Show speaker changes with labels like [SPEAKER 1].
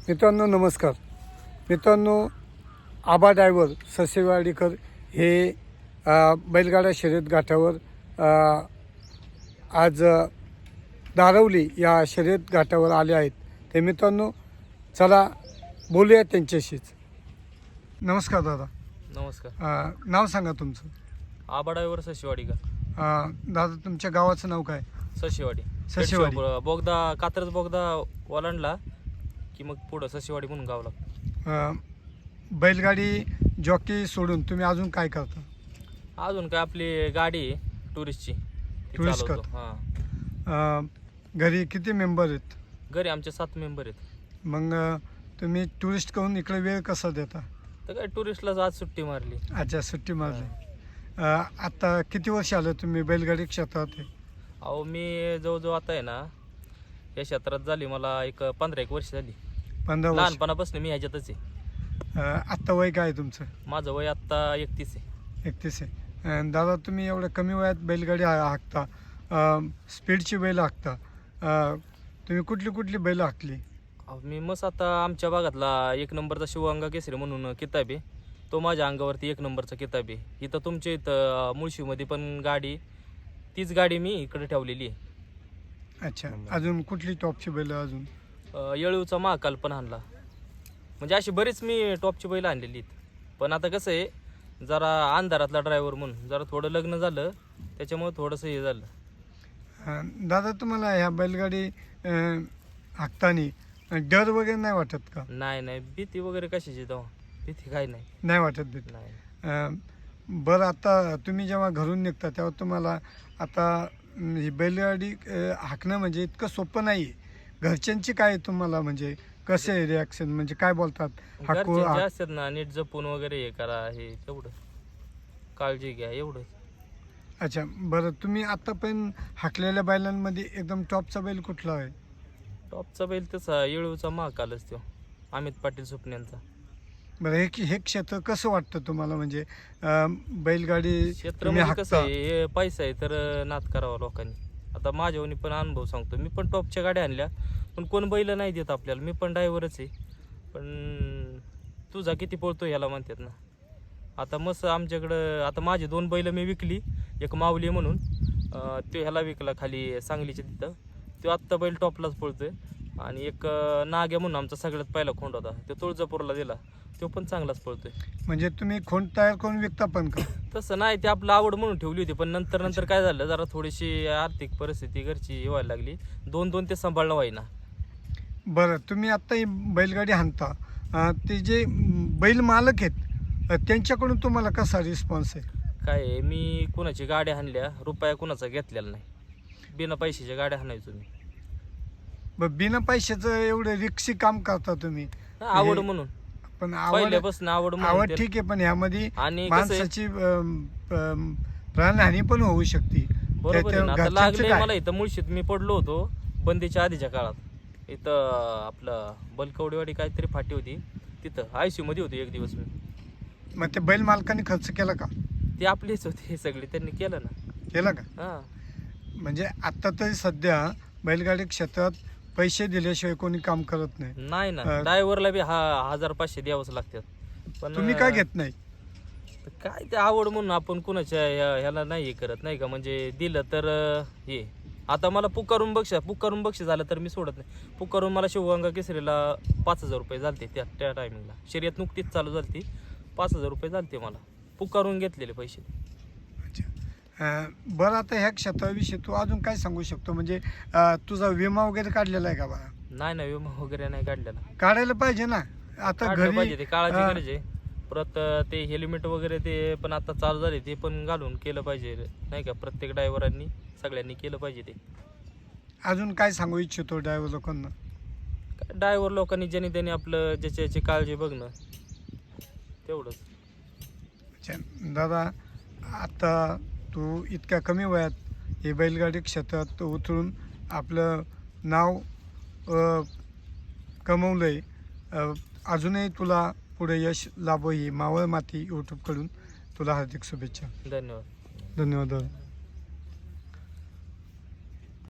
[SPEAKER 1] मित्रांनो नमस्कार. मित्रांनो, आबा ड्रायव्हर ससेवाडीकर हे बैलगाडा शर्यत घाटावर आज दारवली या शर्यत घाटावर आले आहेत. ते मित्रांनो चला बोलूया त्यांच्याशीच. नमस्कार दादा.
[SPEAKER 2] नमस्कार.
[SPEAKER 1] नाव सांगा तुमचं.
[SPEAKER 2] आबा ड्रायव्हर सशिवाडी का?
[SPEAKER 1] दादा तुमच्या गावाचं नाव काय?
[SPEAKER 2] सशिवाडी.
[SPEAKER 1] सशिवाडी.
[SPEAKER 2] बोगदा कात्रज बोगदा ओलांडला की मग पुढं सशिवाडी म्हणून गाव लागतं.
[SPEAKER 1] बैलगाडी जॉकी सोडून तुम्ही अजून काय करता?
[SPEAKER 2] अजून काय आपली गाडी आहे टुरिस्टची, ती
[SPEAKER 1] टुरिस्ट
[SPEAKER 2] चालवतो. हां,
[SPEAKER 1] घरी किती मेंबर आहेत?
[SPEAKER 2] घरी आमचे 7 मेंबर आहेत.
[SPEAKER 1] मग तुम्ही टुरिस्ट करून इकडे वेळ कसा देता?
[SPEAKER 2] तर काय टुरिस्टलाच आज सुट्टी मारली.
[SPEAKER 1] अच्छा, सुट्टी मारली. आता किती वर्ष आलं तुम्ही बैलगाडी क्षेत्रात आहे?
[SPEAKER 2] अहो मी जवळजवळ आता आहे ना या क्षेत्रात झाली मला एक 15-1 वर्ष झाली.
[SPEAKER 1] 15 वर्ष.
[SPEAKER 2] लहानपणापासून मी ह्याच्यातच आहे.
[SPEAKER 1] आत्ता वय काय आहे तुमचं?
[SPEAKER 2] माझं वय आत्ता 31 आहे.
[SPEAKER 1] 31 आहे. दादा तुम्ही एवढ्या कमी वयात बैलगाडी हाकता, स्पीडची बैल हाकता. तुम्ही कुठली कुठली बैल हाकली?
[SPEAKER 2] मी मस्त आता आमच्या भागातला 1 नंबरचा शिवगंगा केसरी म्हणून किताब आहे, तो माझ्या अंगावरती 1 नंबरचा किताब आहे. इथं तुमच्या इथं मुळशीमध्ये पण गाडी, तीच गाडी मी इकडे ठेवलेली आहे.
[SPEAKER 1] अच्छा, अजून कुठली टॉपची बैल? अजून
[SPEAKER 2] येळूचा महाकाल पण आणला. म्हणजे अशी बरीच मी टॉपची बैल आणलेली आहेत. पण आता कसं आहे, जरा अंधारातला ड्रायव्हर म्हणून जरा थोडं लग्न झालं, त्याच्यामुळे थोडंसं हे झालं.
[SPEAKER 1] दादा तुम्हाला ह्या बैलगाडी हाकताना डर वगैरे नाही वाटत का?
[SPEAKER 2] नाही, भीती वगैरे कशाची तेव्हा भीती काय
[SPEAKER 1] नाही वाटत भीती?
[SPEAKER 2] नाही.
[SPEAKER 1] बरं, आता तुम्ही जेव्हा घरून निघता तेव्हा तुम्हाला आता ही बैलगाडी हाकणं म्हणजे इतकं सोपं नाही आहे. घरच्यांची काय तुम्हाला म्हणजे कसे आहे रिॲक्शन, म्हणजे काय बोलतात?
[SPEAKER 2] घरचे असतात ना, नीट जपून वगैरे हे करा, हे तेवढं काळजी घ्या एवढंच.
[SPEAKER 1] अच्छा, बरं, तुम्ही आतापर्यंत हाकलेल्या बैलांमध्ये एकदम टॉपचा बैल कुठला आहे?
[SPEAKER 2] टॉपचा बैल तसा येळूचा महाकालच तो, अमित पाटील सुपण्यांचा.
[SPEAKER 1] बरं, हे क्षेत्र कसं वाटतं तुम्हाला? म्हणजे बैलगाडी
[SPEAKER 2] क्षेत्र
[SPEAKER 1] तुम्ही
[SPEAKER 2] म्हणजे कसं
[SPEAKER 1] हाकता.
[SPEAKER 2] आहे, हे पैसा आहे तर नाद करावा लोकांनी. आता माझ्यावनी पण अनुभव सांगतो, मी पण टॉपच्या गाड्या आणल्या, पण कोण बैल नाही देत आपल्याला. मी पण ड्रायव्हरच आहे, पण तुझा किती पळतो ह्याला म्हणतात ना. आता मस्त आमच्याकडं आता माझे 2 बैल मी विकली. एक माऊली म्हणून तो ह्याला विकला खाली सांगलीच्या तिथं, तो आत्ता बैल टॉपलाच पळतोय. आणि एक नाग्या म्हणून आमचा सगळ्यात पहिला खोंड होता, तो तुळजापूरला दिला, तो पण चांगलाच पळतोय.
[SPEAKER 1] म्हणजे तुम्ही खोंड तयार करून विकता पण का?
[SPEAKER 2] तसं नाही, ते आपलं आवड म्हणून ठेवली होती. पण नंतर काय झालं, जरा थोडीशी आर्थिक परिस्थिती घरची व्हायला लागली, 2 ते सांभाळणं व्हायना.
[SPEAKER 1] बरं, तुम्ही आत्ता ही बैलगाडी हाणता, ते जे बैल मालक आहेत त्यांच्याकडून तुम्हाला कसा रिस्पॉन्स आहे?
[SPEAKER 2] काय आहे, मी कुणाची गाड्या हाणल्या, रुपया कुणाचा घेतलेला नाही. बिना पैशाच्या गाड्या हाणायचो मी.
[SPEAKER 1] बरं, बिना पैशाचं एवढं रिक्षी काम करता तुम्ही?
[SPEAKER 2] आवड म्हणून,
[SPEAKER 1] पण आवड
[SPEAKER 2] पहिल्यापासून आवड
[SPEAKER 1] आवड
[SPEAKER 2] म्हणून.
[SPEAKER 1] ठीक आहे, पण ह्यामध्ये
[SPEAKER 2] आणि कसं आहे,
[SPEAKER 1] माणसाची प्राणहानी पण होऊ शकते.
[SPEAKER 2] बरोबर आहे ना. आता
[SPEAKER 1] घरच्यांचं
[SPEAKER 2] लागले
[SPEAKER 1] काय?
[SPEAKER 2] मला इथं मुळशीत मी पडलो होतो बंदीच्या आधीच्या काळात. इथं आपलं बलकवडेवाडी काहीतरी फाटी होती, तिथं ICU मध्ये होती 1 दिवस मी.
[SPEAKER 1] मग ते बैल मालकाने खर्च केला का?
[SPEAKER 2] ते आपलेच होते हे सगळे, त्यांनी केलं ना.
[SPEAKER 1] केला का?
[SPEAKER 2] हां,
[SPEAKER 1] म्हणजे आता तरी सध्या बैलगाडी क्षेत्रात पैसे दिल्याशिवाय कोणी काम करत नाही.
[SPEAKER 2] नाही ना. ड्रायव्हरला बी 1000-500 द्यावंच लागतात. पण
[SPEAKER 1] तुम्ही काय घेत नाही?
[SPEAKER 2] काय ते आवड म्हणून आपण कुणाच्या ह्याला नाही हे करत नाही का. म्हणजे दिलं तर हे, आता मला पुकारून बक्षीस झालं तर मी सोडत नाही. पुकारून मला शिवगंगा केसरीला 5000 रुपये झालते त्या टायमिंगला. शर्यत नुकतीच चालू झाली, 5000 रुपये झालते मला, पुकारून घेतलेले पैसे.
[SPEAKER 1] अच्छा, बरं, आता ह्या क्षेत्राविषयी तू अजून काय सांगू शकतो? म्हणजे तुझा विमा वगैरे काढलेला आहे का बा?
[SPEAKER 2] नाही, विमा वगैरे नाही काढलेला.
[SPEAKER 1] काढायला पाहिजे ना. आता
[SPEAKER 2] काढलं पाहिजे,
[SPEAKER 1] घरी
[SPEAKER 2] ते काळाची गरज आहे. परत ते हेल्मेट वगैरे ते पण आता चालू झाले, ते पण घालून केलं पाहिजे नाही का. प्रत्येक ड्रायव्हरांनी सगळ्यांनी केलं पाहिजे ते.
[SPEAKER 1] अजून काय सांगू इच्छितो ड्रायव्हर लोकांना?
[SPEAKER 2] ड्रायव्हर लोकांनी ज्याने त्याने आपलं ज्याची काळजी बघणं, तेवढंच.
[SPEAKER 1] अच्छा दादा, आता तू इतक्या कमी वयात हे बैलगाडी क्षेत्रात उतरून आपलं नाव कमवलं आहे. अजूनही तुला पुढे यश लाभो ही मावळ माती यूट्यूबकडून तुला हार्दिक शुभेच्छा.
[SPEAKER 2] धन्यवाद.
[SPEAKER 1] धन्यवाद दादा.